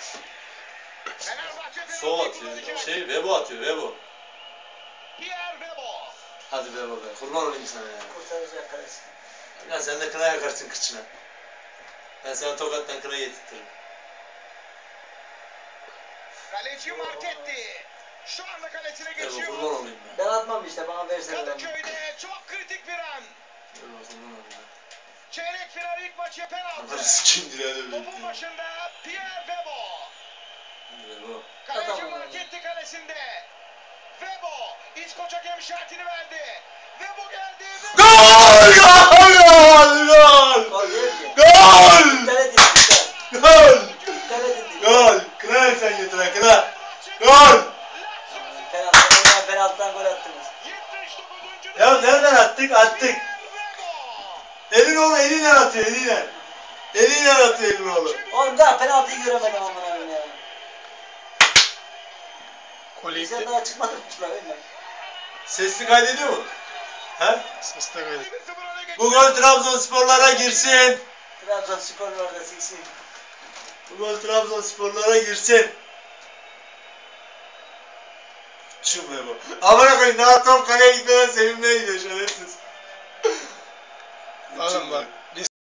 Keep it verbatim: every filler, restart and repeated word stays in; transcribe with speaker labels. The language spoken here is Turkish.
Speaker 1: Sol atıyor. Şey Vebo atıyor Vebo. Hadi Vebo be. Kurban olayım sana ya.
Speaker 2: Kurtaracak kalesi.
Speaker 1: Ya sen de kına yakarsın kıçına. Ben sana tokattan kına getirtirim.
Speaker 3: Kaleci Marketti. Şu anda kalesine geçiyor.
Speaker 1: Vebo kurban olayım
Speaker 2: Ben atmam işte, bana versene ben.
Speaker 3: Kadıköy'de çok kritik bir an.
Speaker 1: Vebo kurban olayım.
Speaker 3: Çeyrek final ilk maçı penaltı.
Speaker 1: Anları sikim direğe de
Speaker 3: Topun başında Pierre Vebo.
Speaker 1: Vebo.
Speaker 3: Kaleci Marketti kalesinde. Vebo İskoç hakem işaretini verdi. Vebo geldi. Vebo.
Speaker 1: Gol! Gol! Gol! Gol!
Speaker 2: Gol değil ki.
Speaker 1: Gol!
Speaker 2: İptal edin, iptal.
Speaker 1: Gol!
Speaker 2: İptal edin.
Speaker 1: Gol! Kına yak sen getir ha kına. Gol!
Speaker 2: Penaltı, oradan penaltıdan gol attınız.
Speaker 1: Ya nereden attık? Attık. Elin oğlu eliyle atıyor eliyle. Eliyle atıyor elin oğlu.
Speaker 2: Oğlum daha penaltıyı göremedim aman abim ya.
Speaker 4: Kolye
Speaker 2: Sen
Speaker 4: iptal.
Speaker 2: daha çıkmadın mı şuraya öyle?
Speaker 1: Sesli kaydediyor mu? He?
Speaker 4: Ses de kaydı.
Speaker 1: Bu gol Trabzonsporlara girsin.
Speaker 2: Trabzonspor var da siksin.
Speaker 1: Bu gol Trabzonsporlara girsin. Şu be bu. Amına koyayım daha top kaleye gitmeden sevimliye gidiyor şerefsiz.
Speaker 4: Oğlum bak.